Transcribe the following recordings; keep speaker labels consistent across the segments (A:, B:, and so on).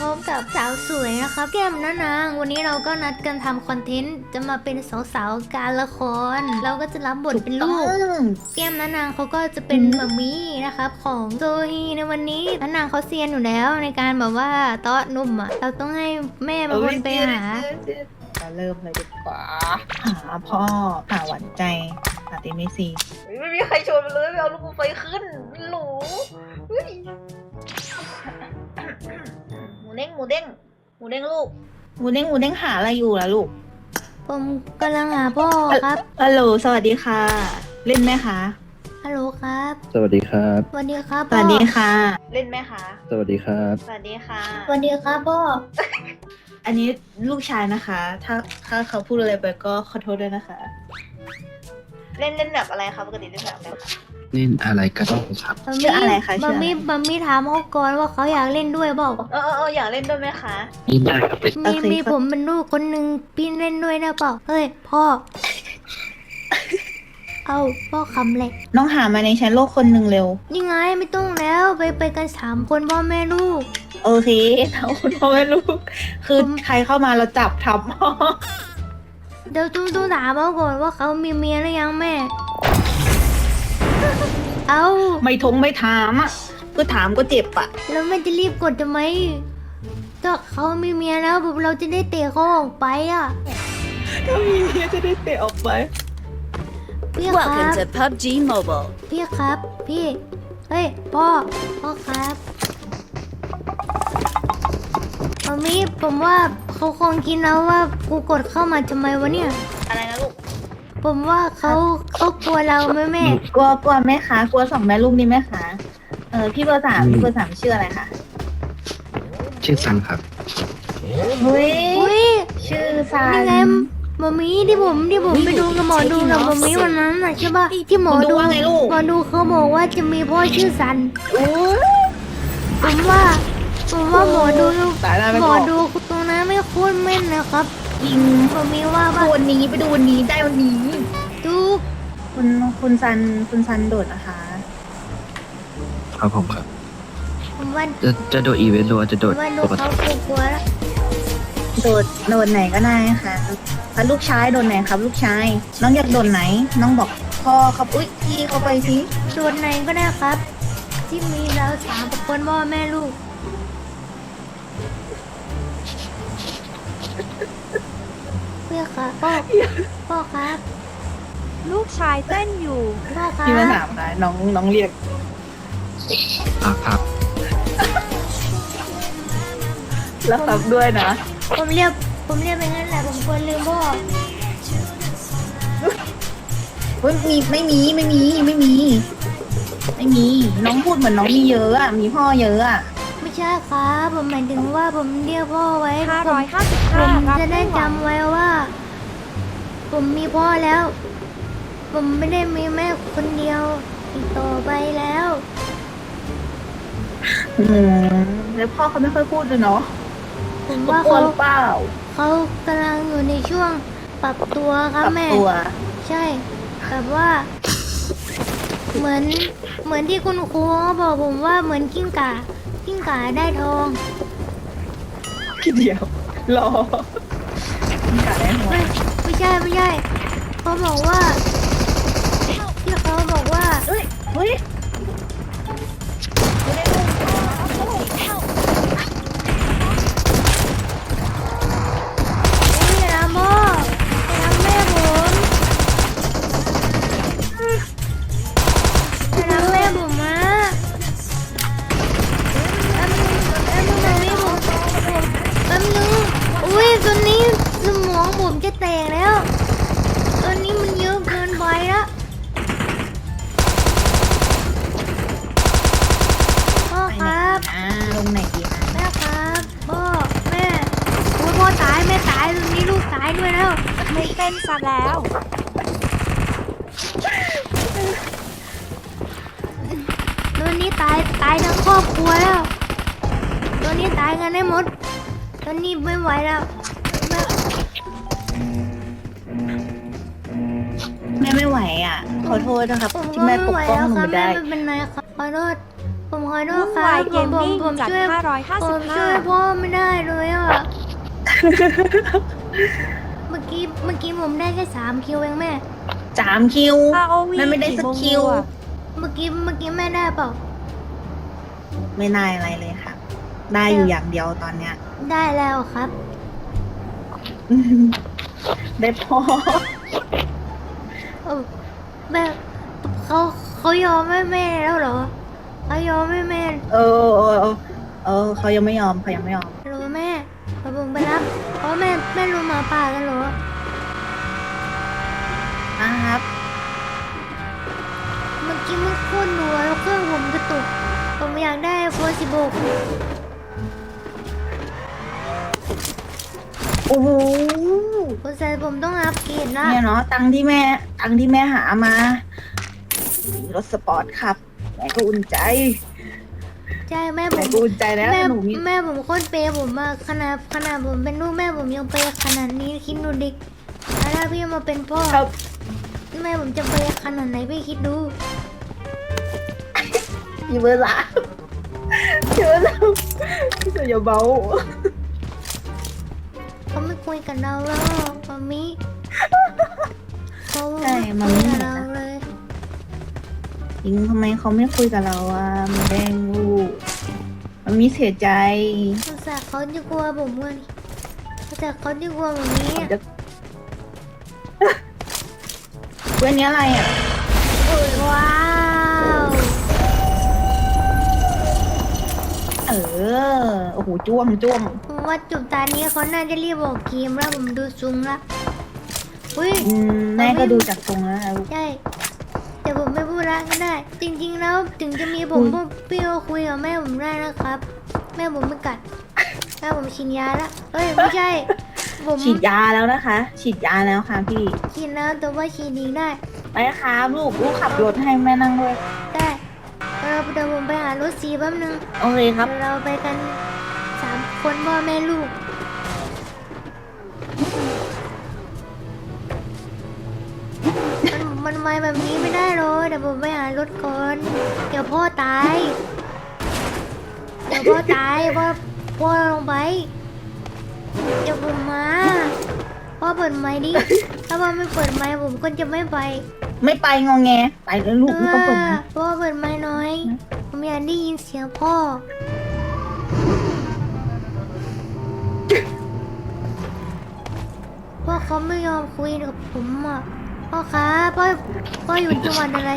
A: ร้อมกับสาวสวยนะครับแก้มนะนางวันนี้เราก็นัดกันทำคอนเทนต์จะมาเป็นสาวๆการละครเราก็จะรับบทเป็นลูกแก้มนะนางเขาก็จะเป็นมัมมี่นะครับของโซฮีในวันนี้นะนางเขาเซียนอยู่แล้วในการแบบว่าเตาะนุ่มอ่ะเราต้องให้แม่เป็นคนไปหา
B: เริ่มเลยดีกว่าหาพ่อหาหวานใจหาตีไม่ซี
C: ไม่มีใครชวนมาเลยไม่เอาลูกไฟขึ้นหรูเฮ้ยหมูเด้งหมูเด้งหมูเด้งลูก
B: หมูเด้งหาอะไรอยู่ล่ะลูก
A: ผมกำลังหาพ่อครับ
B: ฮัลโหลสวัสดีค่ะ เล่นไหมคะ
A: ฮัลโหลครับ
D: สวัสดีครับ
A: สวัสดีครับ
B: ส
A: พ่อ
B: วัสดีค่ะ
C: เล่นไหมคะ
D: สวัสดีครับ
C: สวัสดีค่ะ
A: สวัสดีครับพ่อ
B: อันนี้ลูกชายนะคะ ถ้าเขาพูดอะไรไปก็ขอโทษด้วยนะคะ
C: เล่นแบบอะไรคะปกติเล่นแบบอะไรคะ
D: นี่อะไรก็ได้ครับ
B: ชื่ออะไรคะชื่
A: บั
B: อ
A: ม
B: อะไร
A: มี่ถามเขาก่อนว่าเขาอยากเล่นด้วยเปล่า
C: อยากเล่นด้วยไหมคะ
D: นี่ได้ครับ
A: มีผมเป็นลูกคนหนึ่งพี่เล่นด้วยนะเปล่าเฮ้ยพ่อ เอาพ่อคำเลย
B: น้องหามาในแชทโลกคนหนึ่งเร็ว
A: ยังไงไม่ต้องแล้วไปกัน3 คนพ่อแม่ลูก
B: โอเคเอาคุณพ่อแม่ลูก คือใครเข้ามาเราจับทับพ่อ
A: เดี๋ยวต้องถามเขาก่อนว่าเขามีเมียหรือยังแม่ เอา
B: ไม่ถามอ่ะก็ถามก็เจ็บอ่ะ
A: แล้วแม่จะรีบกดทำไมถ้าเขามีเมียแล้วเราจะได้เตะเขาออกไปอ่ะ
B: ถ้ามีเมียจะได้เตะออกไป
A: พี่ครับ
E: Welcome to PUBG Mobile.
A: พี่ครับ พี่ เฮ้ย พ่อครับมามีผมว่าเขาคงคิดแล้วว่ากูกดเข้ามาทำไมวะเนี่ย
C: อะไรนะลูก
A: ผมว่าเขากลัวเราไหมแม่
B: กลัวไหมคะกลัวสองแม่ลูกนี่ไหมคะพี่เบอร์สามชื่ออะไรคะ
D: ชื่อซันครับ
B: เฮ้ย
A: อุ้ย
B: ชื่อซัน
A: นี่ไงมามีที่ผมไปดูกับหมอดูกับมามีวันนั้นน่ะใช่ป่ะที่หมอดู
B: ว่าไงลูก
A: หมอดูเขาบอกว่าจะมีพ่อชื่อสัน
B: อู้
A: ผมว่าหมอดู
B: ตายแล้วไม่
A: หม
B: บ
A: อ
B: อก
A: ดูตรงนั้นไม่โคตรแม่นนะครับ
B: จริง
A: มามีว่า
B: ดูวันนี้ไปดูวันนี้ได้วันนี้
A: ทุก
B: คุณซันโดดนะคะ
D: ครับผมครับ
A: ผมว่า
D: จะโดดอีเวนต์หรือว่าจะโดด
A: ว่าดู
D: ปก
A: เขา
D: ติ
A: กลัวแล้ว
B: โดดไหนก็ได้ค่ะแล้วลูกชายโดดไหนครับ ลูกชาย น้องอยากโดดไหน น้องบอกพ่อครับอุ้ยพี่เขาไปสิ
A: โดดไหนก็ได้ครับ ที่มีเรา3 คนพ่อแม่ลูกเพื่อค่ะพ่อครับ
E: ลูกชายเต้นอยู่
A: พ่อครั
B: พี่มา
A: บ
B: ถามค่ะน้องเรียก
D: ครับ
B: แล้วครับด้วยนะ
A: ผมเรียกไปงั้นแหละผมควรลืมพ่อ
B: เฮ้ยไม่มีน้องพูดเหมือนน้องมีเยอะอ่ะมีพ่อเยอะอ่ะ
A: ไม่ใช่ครับผมหมายถึงว่าผมเรียกพ่อไว้ผม
E: 555
A: จะได้จำไว้ว่า ผมมีพ่อแล้ว ผมไม่ได้มีแม่คนเดียวอีกต่อไปแล้ว
B: แล้วพ่อเขาไม่ค่อยพูดเลยเนาะ
A: ผม
B: เขา
A: ว่าก
B: ลัว
A: เขา
B: หรือเปล่า
A: เขากำลังอยู่ในช่วงปรับตัวครับ
B: ปรับ
A: แม่
B: ตัว
A: ใช่แบบว่า เหมือนที่คุณครูเขาบอกผมว่าเหมือนกิ้งก่าได้ทอง
B: พี่เดียว รอขายหัว
A: ไม่ใช่เขาบอกว่าที่เขาบอกว่า
B: เฮ้ยไม่ได้ลูก
A: อย่าทำพ่ออย่าทำแม่ผมอย่าทำแม่ผมมาแป๊บนึงตรงนี้ผมแป๊บนึงอุ้ยตอนนี้สมองผมจะแตกแล้วตอนนี้มันเยอะเกินไปแล้วพ่อครับ
B: ลงไหนดีนะ
A: แม่ครับพ่อแม่โอ้ยพ่อตายแม่ตายตอนนี้ลูกตายด้วยแล้ว
E: ไม่เต้นซะแล้ว
A: ตอนนี้ตายทั้งครอบครัวแล้วตอนนี้ตายกันได้หมดตอนนี้ไม่ไหวแล้วแม่
B: แม่ไม่ไหวอ่ะ ขอโทษนะครับ
A: ผม
B: ที่
A: ก็
B: แม่
A: ไม่
B: ปก
A: ไหว
B: ป้อง
A: แล้ว
B: หนู
A: ครับ
B: ไม่
A: แม่
B: ได้
A: ไม่เป็นไรครับขอโทษผมขอโทษ
E: วุ่น
A: ครั
E: วา
A: บ
E: ยเกมมิ่ง
A: ผม
E: จัด
A: ช่วยผมช่วย
E: 555
A: พ่อไม่ได้เลยอ่ะ เมื่อกี้ผมได้แค่3 คิวเองแม่
B: 3 คิว
E: ROV
B: มันไม่ได้สักคิว
A: เมื่อกี้แม่ได้เปล่า
B: ไม่ได้อะไรเลยค่ะ ได้อยู่อย่างเดียวตอนเนี้ย
A: ได้แล้วครับ
B: ได้พอ
A: เออแม่เขายอมให้แม่แล้วเหรอเขายอมให้แม่
B: เขายังไม่ยอมเขายังไม่ยอม
A: รู้แม่พอผมไปรับเพราะแม่รู้หมาป่ากันเหรอ
B: นะครับ
A: เมื่อกี้มันโคตรหนัวแล้วเครื่องผมกระตุกผมอยากได้โฟร์16
B: โอ้โห
A: ผมใส่ผมต้องอัพเกรดละ
B: เนี่ยเนาะตังค์ที่แม่หามา รถสปอร์ตครับแม่ก็อุ่นใจ
A: ใช่แม่ผ
B: แม่
A: ม
B: ก็อุ่นใจแล้ว
A: แม่
B: หนูมี
A: แม่ผมโคตรเปย์ผมอะขนาดผมเป็นลูกแม่ผมยังเปย์ขนาดนี้คิดดูดิแล้วถ้าพี่มาเป็นพ่อ
B: ครับ
A: แม่ผมจะเปย์ขนาดไหนพี่คิดดู
B: พี่เบอร์สามพี่เบอร์สามพี่เสืออย่าเบา
A: เขาไม่คุยกับเราแล้วมามิเขา
B: ใช่
A: ไม่
B: มัน
A: คุย
B: ไม่
A: กับ
B: เห็น
A: เรา
B: นะ
A: เลย
B: จริงทำไมเขาไม่คุยกับเราอ่ะมันแดงลูกมันมีเสียใจ
A: สงสารเขาจะกลัวผมเว้ยสงสารเขาจะกลัวแบบนี้
B: ผมจะ เพื่อนนี้อะไรอ่ะ
A: ว้าว
B: โอ้โหจ้วง
A: ผมว่าจุดตานี้เขาน่าจะรีบบอกเกมแล้วผมดูซุงละอุ้ย
B: แม่ก็ดูจากตรงแล้วนะลูก
A: ใช่แต่ผมไม่พูดละก็ได้ จริงๆแล้วถึงจะมีผมพวกพี่ก็คุยกับแม่ผมได้นะครับ แม่ผมไม่กัดแม่ผมฉีดยาละเอ้ยไม่ใช่ ผม
B: ฉีดยาแล้วนะคะ ฉีดยาแล้วค่ะพี่
A: ฉีดแล้วแต่ว่าฉีดอีกได้
B: ไปครับลูกขับรถให้แม่นั่งด้วย
A: ได้เดี๋ยวผมไปหารถสีแป๊บนึง
B: โอเคครับ
A: เดี๋ยวเราไปกัน3 คนพ่อแม่ลูก มันไวแบบนี้ไม่ได้เลยเดี๋ยวผมไปหารถก่อน เดี๋ยวพ่อตาย พ่อลงไป เดี๋ยวผมมา พ่อเปิดไมค์ดิ ถ้าพ่อไม่เปิดไมค์ผมก็จะไม่ไป
B: ไม่ไปงอแง ไปเลยลูกไม่ต้องเปิดนะ
A: พ่อเปิดไมค์หน้อย ผมอยากได้ยินเสียงพ่อ พ่อเขาไม่ยอมคุยกับผมอ่ะ พ่อคะพ่ออยู่จังหวัดอะไร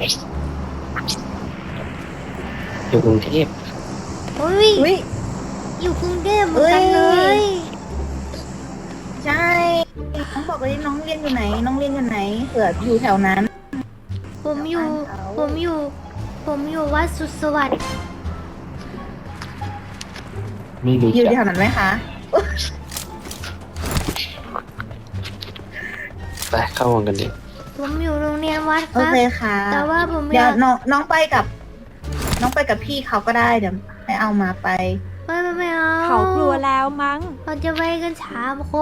D: อยู่กรุงเทพ
A: โอ้ย
B: อุ้ย
A: อยู่กรุงเทพเหมือนกันเลย
B: ใช่น้องบอกเลยน้องเรียนอยู่ไหน น้องเรียนอยู่ไหนเผื่ออยู่แถวนั้น
A: ผมอยู่วัดสุดสวัสดิ์
D: ไม่รู้
B: อยู่
D: จัก
B: แถวนั้นไหมคะ
D: ไปเข้าวงกันดิ
A: ผมอยู่โรงเรียนวัดค
B: โอ
A: รับ
B: เคค่ะ
A: แต่ว่าผม
B: เดี๋
A: อย
B: วย
A: าก
B: น้องไปกับพี่เขาก็ได้เดี๋ยวให้เอามาไป
A: ไม่เอา
E: เขากลัวแล้วมั้ง
A: เราจะไปกัน3 คน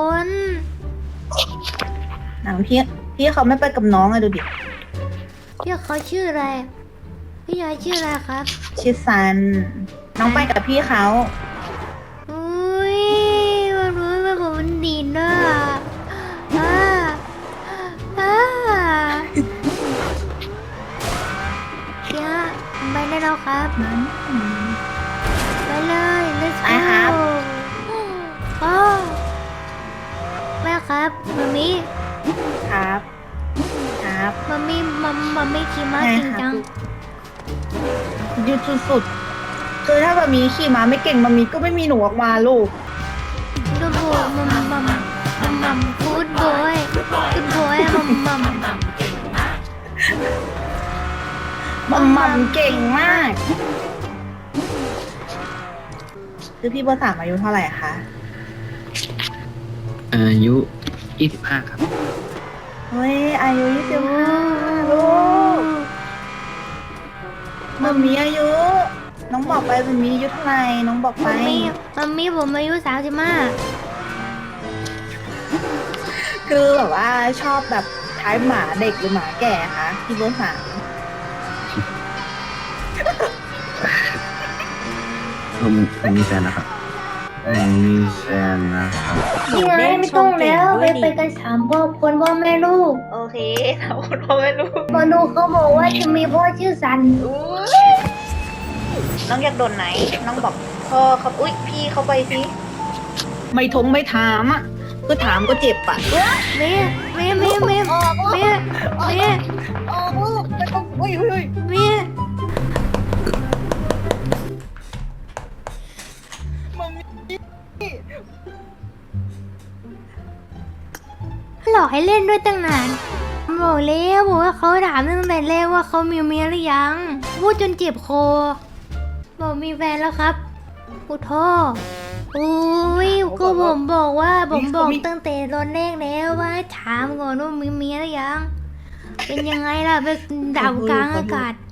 B: หนังพี่เขาไม่ไปกับน้องอะดูดิ
A: พี่เขาชื่ออะไร พี่ยายชื่ออะไรครับ
B: ชื่อซัน น้องไปกับพี่เขา
A: อุ้ยมันรู้ไหมผมมันดีดนะอ่าพี่ฮะผมไปได้แล้วครับ ไปเลย let's
B: ไป
A: go
B: ครับ
A: อ๋อแม่ครับมามิ
B: ครับ ครับ
A: มามิขี่ม้า
B: ใช่
A: เก่ง
B: ครับ
A: จัง
B: ยืดสุดๆคือถ้าบะมีขี่ม้าไม่เก่งบะมีก็ไม่มีหนูออกมาลูก
A: ดูโบมัมฟูดบอยกูดบอยมัม
B: มัมเก่งมาก คือพี่เบอร์สามอายุเท่าไหร่คะ
D: อายุ 25 ครับ
B: เฮ้ย อายุ25ลูกมัมมีอายุ น้องบอกไปมัมมีอายุเท่าไหร่น้องบอกไป
A: มัมมี่ผมอายุ35
B: คือแบบว่าชอบแบบท้ายหมาเด็กหรือหมาแก่คะพี่เบอร์สาม
F: ผมมีแฟนนะครับผมมีแฟนนะครับ
A: พี่ไงไม่ต้องแล้วไปกัน3 ครอบครัวพ่อแม่ลูก
C: โอเคถามคนพ่อไม่รู้
A: พอลูกเขาบอกว่าจะมีพ่อชื่อสัน
C: อุ้ยน้องอยากโดนไหน น้องบอกพ่อครับอุ้ยพี่เขาไปสิ
B: ไม่ถามอ่ะคือถามก็เจ็บอ่ะ
A: แม่แม่แม่แม่แม่แม่
B: ออกลูกไม่ต้องอุ้ย
A: แม่หลอกให้เล่นด้วยตั้งนานบอกแล้วบอกว่าเขาถามตั้งแต่แรกว่าเขามีเมียหรือยัง พูดจนเจ็บคอบอกมีแฟนแล้วครับกูท่ออุ้ยก็ผมบอกว่าผมบอกตั้งแต่ตอนแรกแล้วว่าถามก่อนว่ามีเมียหรือยัง เป็นยังไงล่ะไปดาวกลางอากาศ